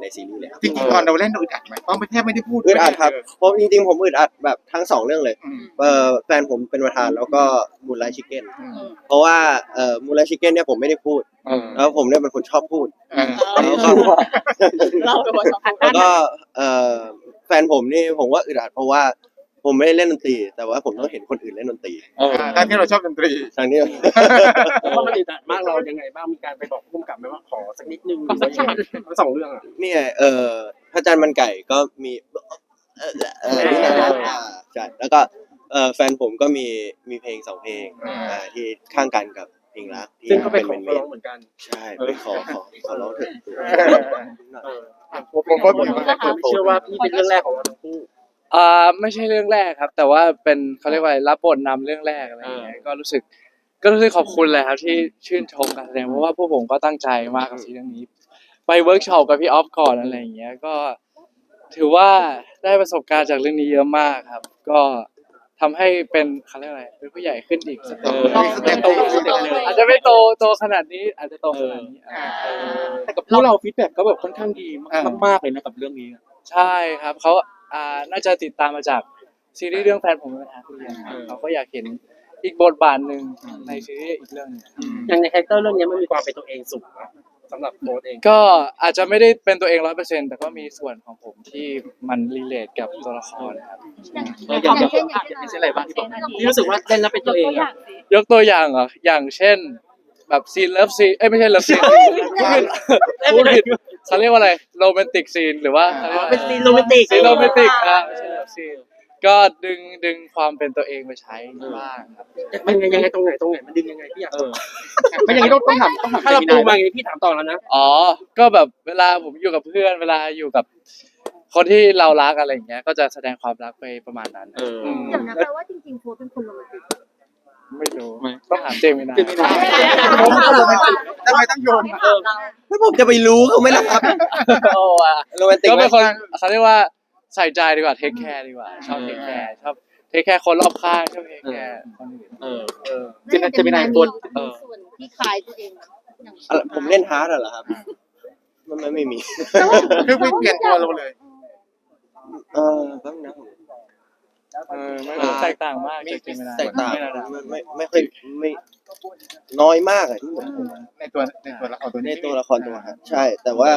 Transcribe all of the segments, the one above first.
ในซีรีส์เลยครับจริงๆตอนเราเล่นเราอึดอัดไหมเพราะมันแทบไม่ได้พูดอึดอัดครับเพราะจริงๆผมอึดอัดแบบทั้ง2เรื่องเลยแฟนผมเป็นประธานแล้วก็มูนไลท์ชิคเก้นเพราะว่ามูนไลท์ชิคเก้นเนี่ยผมไม่ได้พูดแล้วผมเนี่ยเป็นคนชอบพูดแล้วก็แฟนผมนี่ผมว่าอึดอัดเพราะว่าผมไม่ได้เล่นดนตรีแต่ว่าผมต้องเห็นคนอื่นเล่นดนตรีตอนที่เราชอบดนตรีทางนี้ว่ามันอึดอัดมากเรายังไงบ้างมีการไปบอกผู้กำกับไหมว่าขอสักนิดนึงหรือว่ายังไงทั้ง2เรื่องอ่ะเนี่ยพระจันทร์มันไก่ก็มีใช่แล้วก็แฟนผมก็มีเพลง2เพลงที่ข้างกันกับเพลงรักที่ซึ่งก็เป็นของร้องเหมือนกันใช่ไปขอร้องเถอะผมเชื่อว่าพี่เป็นเรื่องแรกของเราทั้งคู่ไม่ใช่เรื่องแรกครับแต่ว่าเป็นเขาเรียกว่ารับบทนำเรื่องแรกอะไรอย่างเงี้ยก็รู้สึกขอบคุณเลยครับที่ชื่นชมการแสดงเพราะว่าพวกผมก็ตั้งใจมากกับซีรีส์เรื่องนี้ไปเวิร์กช็อปกับพี่ออฟก่อนอะไรอย่างเงี้ยก็ถือว่าได้ประสบการณ์จากเรื่องนี้เยอะมากครับก็ทำให้เป็นเขาเรียกอะไรเป็นผู้ใหญ่ขึ้นอีกสเต็ปอาจจะไม่โตขนาดนี้อาจจะโตขนาดนี้แต่กับพวกเราฟีดแบ็กก็แบบค่อนข้างดีมากเลยนะกับเรื่องนี้ใช่ครับเขาน่าจะติดตามมาจากซีรีส์เรื่องแฟนผมเป็นทหารเรียนเขาก็อยากเห็นอีกบทบาทหนึ่งในซีรีส์อีกเรื่องนึงอย่างในคาแรคเตอร์เรื่องนี้มันมีความเป็นตัวเองสูงนะสำหรับโค้ดเองก็อาจจะไม่ได้เป็นตัวเอง 100% แต่ก็มีส่วนของผมที่มันรีเลทกับตัวละครครับอย่างเช่นอะไรบ้างที่บอกที่รู้สึกว่าเล่นแล้วเป็นตัวเองยกตัวอย่างเหรออย่างเช่นแบบซีนเลิฟซีนไม่ใช่เลิฟซีนพูดผิดเขาเรียกว่าอะไรโรแมนติกซีนหรือว่าเป็นซีนโรแมนติกไม่ใช่เลิฟซีนก็ดึงความเป็นตัวเองไปใช้บ้างครับมันยังไงตรงไหนมันดึงยังไงพี่อยากไม่อย่างนี้ต้องถามถ้าเราปูมาอย่างนี้พี่ถามต่อแล้วนะก็แบบเวลาผมอยู่กับเพื่อนเวลาอยู่กับคนที่เรารักอะไรอย่างเงี้ยก็จะแสดงความรักไปประมาณนั้นเดี๋ยวนะแปลว่าจริงๆโฟร์เป็นคนโรแมนติกไม่รู้ต้องถามเจมินาผมก็โรแมนติกทำไมต้องโยนแล้วผมจะไปรู้เขาไหมล่ะครับโรแมนติกก็เป็นคนเขาเรียกว่าใส่ใจดีกว่าเทคแคร์ดีกว่าชอบเทคแคร์คนรอบข้างชอบเทคแคร์คนอื่นจะเป็นนายตัวส่วนที่คล้ายตัวเองผมเล่นฮาร์ดเหรอครับมันไม่มีคือไม่เปลี่ยนตัวเราเลยบ้างนะไม่แตกต่างมากแตกต่างไม่ค่อยไม่น้อยมากอะที่ในตัวละครตัวฮะใช่แต่ว่า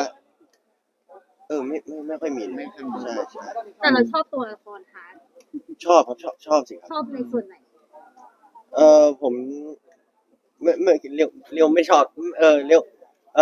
ไม่ค่อยมีใช่แต่เราชอบตัวละครฮาร์ดชอบครับชอบสิครับชอบในส่วนไหนผมไม่เรียวไม่ชอบเรียว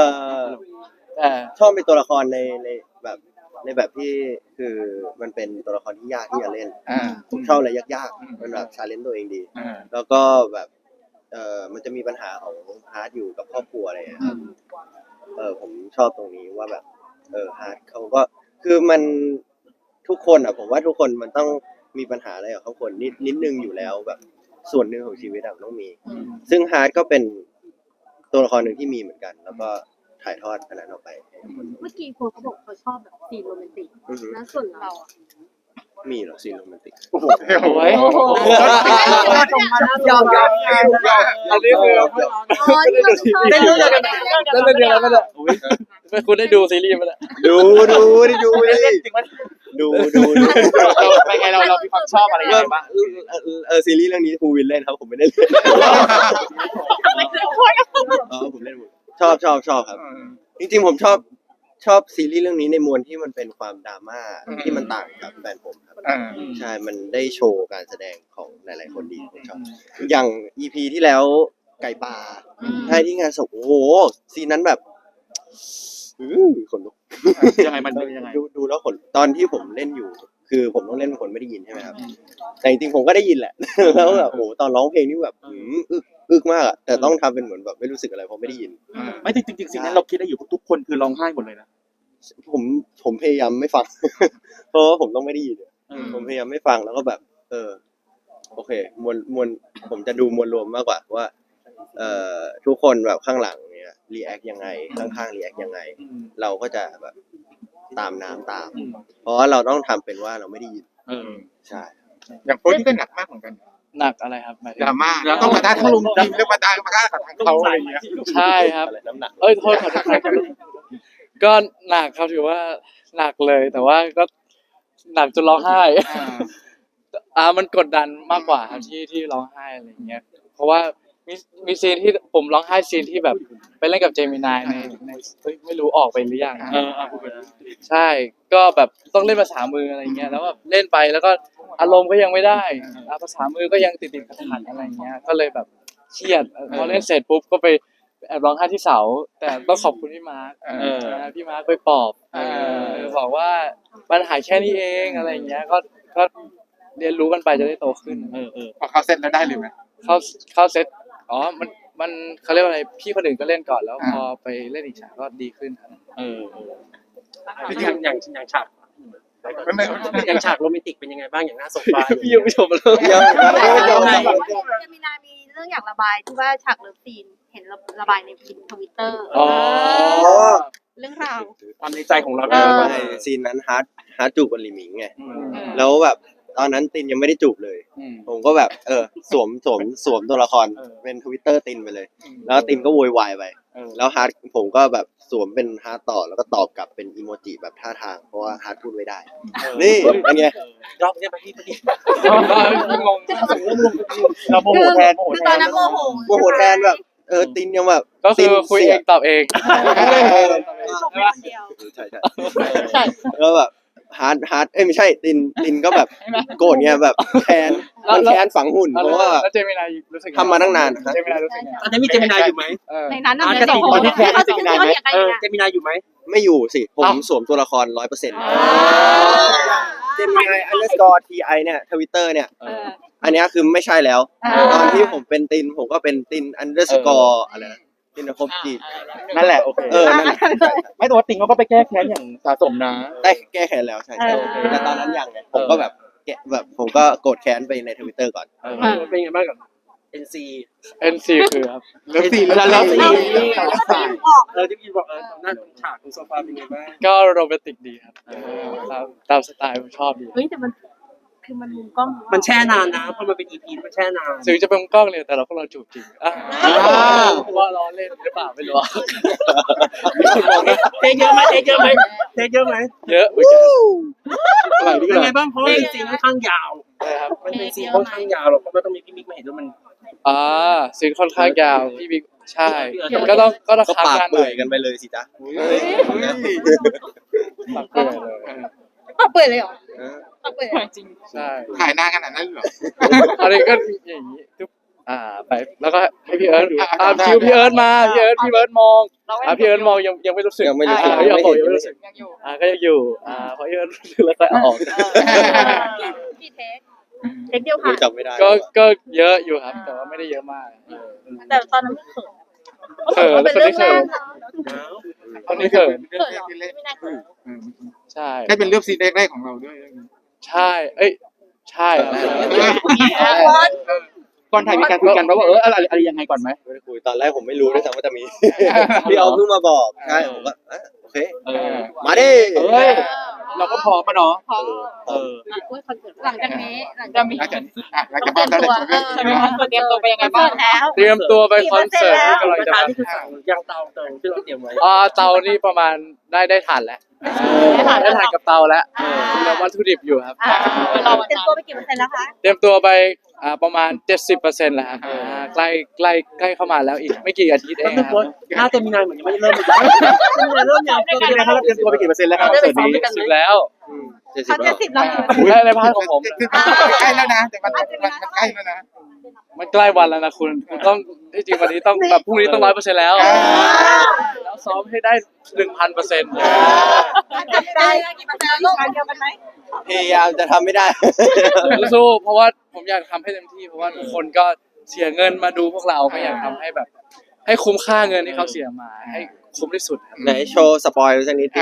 ชอบเป็นตัวละครในแบบที่คือมันเป็นตัวละครที่ยากที่จะเล่นผมชอบอะไรยากๆมันแบบชาเลนจ์ตัวเองดีแล้วก็แบบมันจะมีปัญหาของฮาร์ดอยู่กับครอบครัวอะไรครับผมชอบตรงนี้ว่าแบบฮาร์ดเขาก็คือมันทุกคนผมว่าทุกคนมันต้องมีปัญหาอะไรกับครอบครัวนิดนึงอยู่แล้วแบบส่วนหนึ่งของชีวิตต้องมีซึ่งฮาร์ดก็เป็นตัวละครหนึ่งที่มีเหมือนกันแล้วก็ถ่ายทอดอันนั้นออกไปเมื่อกี้โฟเขาบอกเขาชอบแบบซีนโรแมนติกแล้วส่วนเรามีเหรอซีนโรแมนติกโอ้โหยอมอันนี้คือได้รู้กันแล้วเดี๋ยวก็จะไม่คุณได้ดูซีรีส์มั้ยดูไปไงเรามีความชอบอะไรยังไงบ้างซีรีส์เรื่องนี้ภูวินเล่นครับผมไม่ได้เล่นผมเล่นชอบครับจริงๆผมชอบซีรีส์เรื่องนี้ในมวลที่มันเป็นความดราม่าที่มันต่างกับแฟนผมครับใช่มันได้โชว์การแสดงของหลายๆคนดีผมชอบอย่าง EP ที่แล้วไก่ป่าใช่ที่งานศพโอ้โหซีนนั้นแบบขนลุกยังไงมันยังไงดูแล้วขนตอนที่ผมเล่นอยู่คือผมต้องเล่นเป็นคนไม่ได้ยินใช่ไหมครับแต่จริงๆผมก็ได้ยินแหละแล้วแบบโอ้โหตอนร้องเพลงนี่แบบอึกมากอะแต่ต้องทำเป็นเหมือนแบบไม่รู้สึกอะไรเพราะไม่ได้ยินไม่จริงๆสิ่งนั้นเราคิดได้อยู่ทุกคนคือร้องไห้หมดเลยนะผมพยายามไม่ฟังเพราะว่าผมต้องไม่ได้ยินผมพยายามไม่ฟังแล้วก็แบบโอเคมวลผมจะดูมวลรวมมากกว่าว่าทุกคนแบบข้างหลังเนี่ยรีแอคยังไงข้างๆรีแอคยังไงเราก็จะแบบตามน้ำตามเพราะว่าเราต้องทำเป็นว่าเราไม่ได้ยินใช่อย่างโพสที่ก็หนักมากเหมือนกันหนักอะไรครับดราม่าต้องมาด้าทั้งลุงทีมแล้วมาด้ากับทางเขาอะไรอย่างเงี้ยใช่ครับน้ำหนักโทษขอโทษก็หนักครับถือว่าหนักเลย แต่ว่าก็หนักจนร้องไห้ มันกดดันมากกว่าครับที่ร้องไห้อะไรอย่างเงี้ยเพราะว่ามีซีนที่ผมร้องไห้ซีนที่แบบไปเล่นกับเจมินายในเฮ้ยไม่รู้ออกไปหรือยังพูดไปแล้วใช่ก็แบบต้องเล่นภาษามืออะไรเงี้ยแล้วแบบเล่นไปแล้วก็อารมณ์ก็ยังไม่ได้ภาษามือก็ยังติดขัดๆอะไรเงี้ยก็เลยแบบเครียดพอเล่นเสร็จปุ๊บก็ไปแอบร้องไห้ที่เสาแต่ต้องขอบคุณพี่มาร์คพี่มาร์คไปปลอบบอกว่าปัญหาแค่นี้เองอะไรเงี้ยก็เรียนรู้กันไปจะได้โตขึ้นพอเขาเซ็ตแล้วได้เลยไหมเข้าเซตมันเขาเรียกว่าอะไรพี่คนอื่นก็เล่นก่อนแล้วพอไปเล่นอีกฉากก็ดีขึ้นครับอย่างฉากไม่อย่างฉากโรแมนติกเป็นยังไงบ้างอย่างหน้าโซฟาพี่ยังไม่ชมเลยยังไม่จบเจมินามีเรื่องอยากระบายที่ว่าฉากเลิฟซีนเห็นระบายในทวิตเตอร์อ๋อเรื่องราวความในใจของเราไม่ซีนนั้นฮาร์ดจูบกับหลิมิงไงแล้วแบบตอนนั้นตินยังไม่ได้จูบเลย ผมก็แบบสวมตัวละครเป็นทวิตเตอร์ตินไปเลย แล้วตินก็โวยวายไปแล้วฮาร์ดผมก็แบบสวมเป็นฮาร์ดต่อแล้วก็ตอบกลับเป็นอีโมจิแบบท่าทางเพราะว่าฮาร์ดพูดไม่ได้ นี่เป็นไงรอบนี้ไปที่งงเราโมโหแทนคือตอนนั้นโมโหโมโหแทนแบบตินยังแบบก็คือคุยเองตอบเองจบคนเดียวใช่แล้วแบบฮาร์ดไม่ใช่ตินก็แบบโกรธเงี้ยแบบแค้นมันแค้นฝังหุ่นเพราะว่าแล้วเจมินายรู้สึกทำมาตั้งนานเจมินายรู้สึกไงตอนนี้มีเจมินายอยู่ไหมในนั้นน่ะกระติกตอนที่แคสเขาจะเจมินายไหมเจมินายอยู่ไหมไม่อยู่สิผมสวมตัวละคร 100%เจมินายunderscore ti เนี่ยทวิตเตอร์เนี่ยอันนี้คือไม่ใช่แล้วตอนที่ผมเป็นตินผมก็เป็นติน underscore อะไรนะตินคบจีนั่นแหละโอเคนั่นแหละไม่แต่ว่าติงเขาก็ไปแก้แค้นอย่างสะสมนะได้แก้แค้นแล้วใช่แต่ตอนนั้นยังไงผมก็แบบผมก็โกรธแค้นไปในทวิตเตอร์ก่อนเป็นยังไงบ้างกับ NC NC คือครับเลิฟซีนแล้วเลิฟซีนที่พี่บอกหน้าฉากของโซฟาเป็นยังไงบ้างก็โรแมนติกดีครับตามสไตล์ผมชอบดีเฮ้ยแต่มันคือมันมุมกล้องมันแช่นานนะเพราะมันเป็น EP มันแช่นานถึงจะเป็นกล้องเลยแต่เราพวกเราจูบจริงว่าล้อเล่นหรือเปล่าไม่รู้เทเยอะไหมเทเยอะไหมเทเยอะไหมเยอะเหมือนกันเป็นไงบ้างเพราะว่าซีนค่อนข้างยาวนะครับมันเป็นซีนค่อนข้างยาวเราก็ต้องมีพี่มิกมาเห็นด้วยมันซีนค่อนข้างยาวพี่บิ๊กใช่ก็ต้องก็ค้างปากงานหเปื่น่ออย ยกันไปเลยสิจ๊ะปากเปื่อยเลยปากเปิดเลยเหรอปากเปิดจริงใช่ถ่ายหน้าขนาดนั้นเหรออันนี้ก็อย่างนี้ทุกไปแล้วก็ให้พี่เอิร์ธดูคิวพี่เอิร์ธมาพี่เอิร์ธมองพี่เอิร์ธมองยังไม่รู้สึกยังไม่รู้สึกยังไม่รู้สึกก็ยังอยู่พอพี่เอิร์ธรู้สึกแล้วก็เอาออกกี่เทคเดียวค่ะจำไม่ได้ก็เยอะอยู่ครับ แต่ว่าไม่ได้เยอะมากแต่ตอนนั้นเขินเขินเป็นคนเรื่อนี้งเขิแรนกคนนี้เขินเรื่องแรกที่เล่นไม่น่าเขินใช่ได้เป็นเรื่องซีนแรกๆของเราด้วยใช่ใช่ก่อนถ่ายมีการคุยกันว่าอะไรยังไงก่อนไหมไม่ได้คุยตอนแรกผมไม่รู้ด้วยซ้ำว่าจะมี พี่เอาเพิ่งมาบอกใช่ผมก็โอเคมาดิเราก็พร้อมมาเนาะพอหลังจากนี้หลังจากนี้หลังจากบ้านเราได้ชมเรื่องนี้เตรียมตัวไปยังไงบ้างแล้วเตรียมตัวไปคอนเสิร์ตที่กำลังกระจะทะมานี่คือสั่งยางเตาที่เราเตรียมไว้เตานี่ประมาณได้ถ่านแล้วได้ถ่านกับเตาแล้วเหลือวัตถุดิบอยู่ครับเราเตรียมตัวไปกี่เปอร์เซ็นต์แล้วคะเตรียมตัวไปประมาณ 70%แล้วครับใกล้เข้ามาแล้วอีกไม่กี่อาทิตย์เอก็งคือครับหน้าเจมินายเหมือนยังไม่ได้เริ่มเลยเริ่มยังเป็นไงครับเราเตรียมตัวไปกี่เปอร์เซ็นต์แล้วครับได้ไปซ้อมด้วยกันแล้วเขา70แล้วในพาร์ทของผมคือใกล้แล้วนะแต่มันใกล้แล้วนะมันใกล้วันแล้วนะคุณต้องที่จริงวันนี้ต้องแบบพรุ่งนี้ต้อง100%แล้วซ้อมให้ได้ 1,000% ได้กี่เปอร์เซ็นต์ลูกเดียวกันไหมพยายามจะทำไม่ได้สู้เพราะว่าผมอยากทำให้เต็มที่เพราะว่าทุกคนก็เสียเงินมาดูพวกเราก็อยากทำให้แบบ ให้คุ้มค่าเงินที่เขาเสียมาให้คุ้มที่สุดครับไหนโชว์สปอยล์สักนิด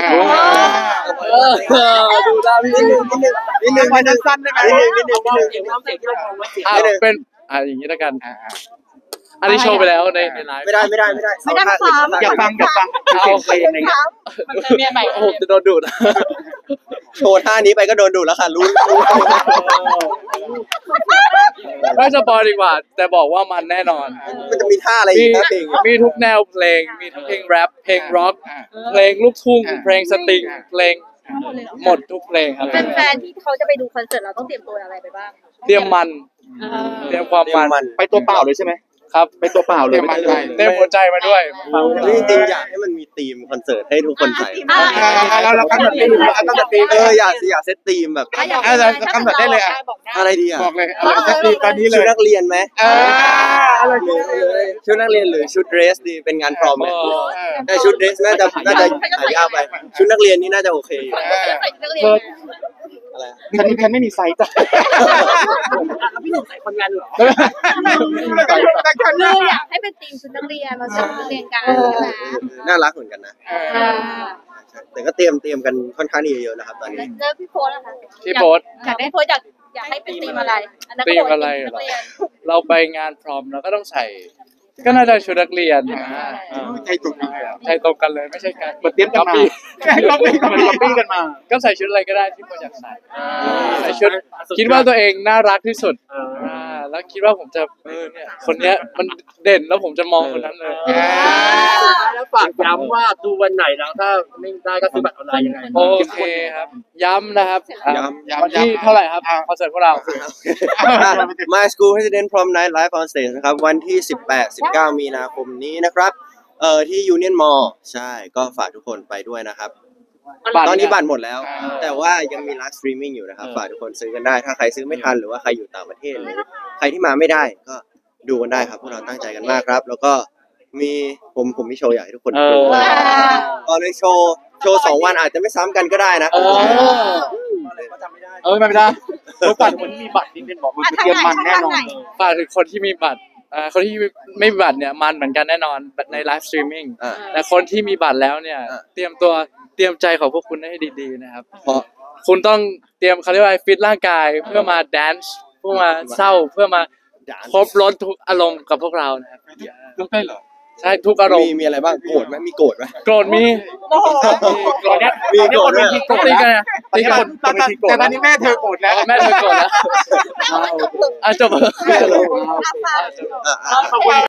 ดูได้พี่นิดนึงสั้นๆได้ไหมนิดนึงเสียงน้ำเสียงที่เรามองไว้เสียงเป็นอย่างนี้แล้วกันอันนี้โชว์ไปแล้วในไลฟ์ไม่ได้ไม่ได้มาซ้อมอยากฟังเอาเพลงอะไรเงี้ยมันจะเมียใหม่โอ้โหจะโดนดูดโชว์ท่านี้ไปก็โดนดูดแล้วค่ะรู้ไม่สปอยดีกว่า แต่บอกว่ามันแน่นอนมันจะมีท่าอะไรอีมีกนะเพลงมีทุกแนวเพลง มีทั้งเพลงแรปเพลงร็อกเพลงลูกทุ่งเพลงสตริงเพลงหมดทุกเพลงครับแฟนๆที่เขาจะไปดูคอนเสิร์ตเราต้องเตรียมตัวอะไรไปบ้างเตรียมมันเตรียมความเตรียมัมนมันไปตัวเปล่าเลยใช่ไหมครับไปตัวเปล่าเลยเตรียมหัวใจมาด้วยจริงๆอยากให้มันมีธีมคอนเสิร์ตให้ทุกคนใส่เรากำหนดธีมอยากเซตธีมแบบเรากำหนดได้เลยอ่ะอะไรดีอ่ะบอกเลยเอาเลยตอนนี้เลชุดยนักเรียนไหมอะไรหรือชุดนักเรียนหรือชุดเดรสดีเป็นงานพรอมไหมเออแต่ชุดเดรสน่าจะหายากไป ชุดนักเรียนนี่น่าจะโอเคอยู่ใส่ชุดนักเรียนอะไรแพนไม่มีไซส์จ้ะแล้วพี่หนุ่มใส่คนงานเหรอคืออยากให้เป็นทีมชุดนักเรียนมาชุดนักเรียนกันใช่ไหมน่ารักเหมือนกันนะ แต่ก็เตรียมกันค่อนข้างที่จะเยอะนะครับตอนนี้แล้วพี่โพสอะคะที่โพสต์อยากได้โพสอยากให้เป็นทีมอะไรอันนั้นก็ธีบมอกอะไรทีมเหรนัอกเรียนเราไปงานพร้อมเราก็ต้องใส่ ก็น่าจะชุดนักเรียนใจตรงกันเลยใช่ตรงกันเลยไม่ใช่การเหมือนเตรียมกันมาก๊อปปี้กันมาก็ใส่ชุดอะไรก็ได้ที่คนอยากใส่ใส่ชุดคิดว่าตัวเองน่ารักที่สุดแล้วคิดว่าผมจะเนี่ยคนเนี้ยมันเด่นแล้วผมจะมองคนนั้นเลยแล้วฝากย้ำว่าดูวันไหนแล้วถ้าไม่ได้ก็ซื้อบัตรออนไลน์ยังไงโอเคครับ ย้ำนะครับย้ำวันที่เท่าไหร่ครับคอนเสิร์ตพวกเรา My School President Prom Night Live on Stage นะครับ วันที่ 18-19 มีนาคมนี้นะครับ ที่ Union Mall ใช่ ก็ฝากทุกคนไปด้วยนะครับ ตอนนี้บัตรหมดแล้ว แต่ว่ายังมีไลฟ์สตรีมมิ่งอยู่นะครับ ฝากทุกคนซื้อกันได้ ถ้าใครซื้อไม่ทันหรือว่าใครอยู่ต่างประเทศหรือใครที่มาไม่ได้ก็ดูกันได้ครับ พวกเราตั้งใจกันมากครับ แล้วก็มีผมมีโชว์อยากให้ทุกคนดูตอนในโชว์2 วันอาจจะไม่ซ้ำกันก็ได้นะไม่ได้ตัวก่อนคนที่มีบัตรนี่เป็นบอกมันเตรียมมันแน่นอนฝากถึงคนที่มีบัตรคนที่ไม่มีบัตรเนี่ยมันเหมือนกันแน่นอนในไลฟ์สตรีมมิ่งอ่าแต่คนที่มีบัตรแล้วเนี่ยอ่าเตรียมใจของพวกคุณให้ดีๆนะครับเพราะคุณต้องเตรียมเขาเรียกว่าฟิตร่างกายเพื่อมาแดนซ์เพื่อมาเศร้าเพื่อมาครบรสทุกอารมณ์กับพวกเรานะครับต้องได้เหรอใช่ทุกอารมณ์มีอะไรบ้างโกรธไหมมีโกรธไหมโกรธมีโกรธเนี่ยมีโกรธด้วยตีกันนะตีกันแต่ตอนนี้แม่เธอโกรธแล้วแม่เธอโกรธแล้วจบอ่ะ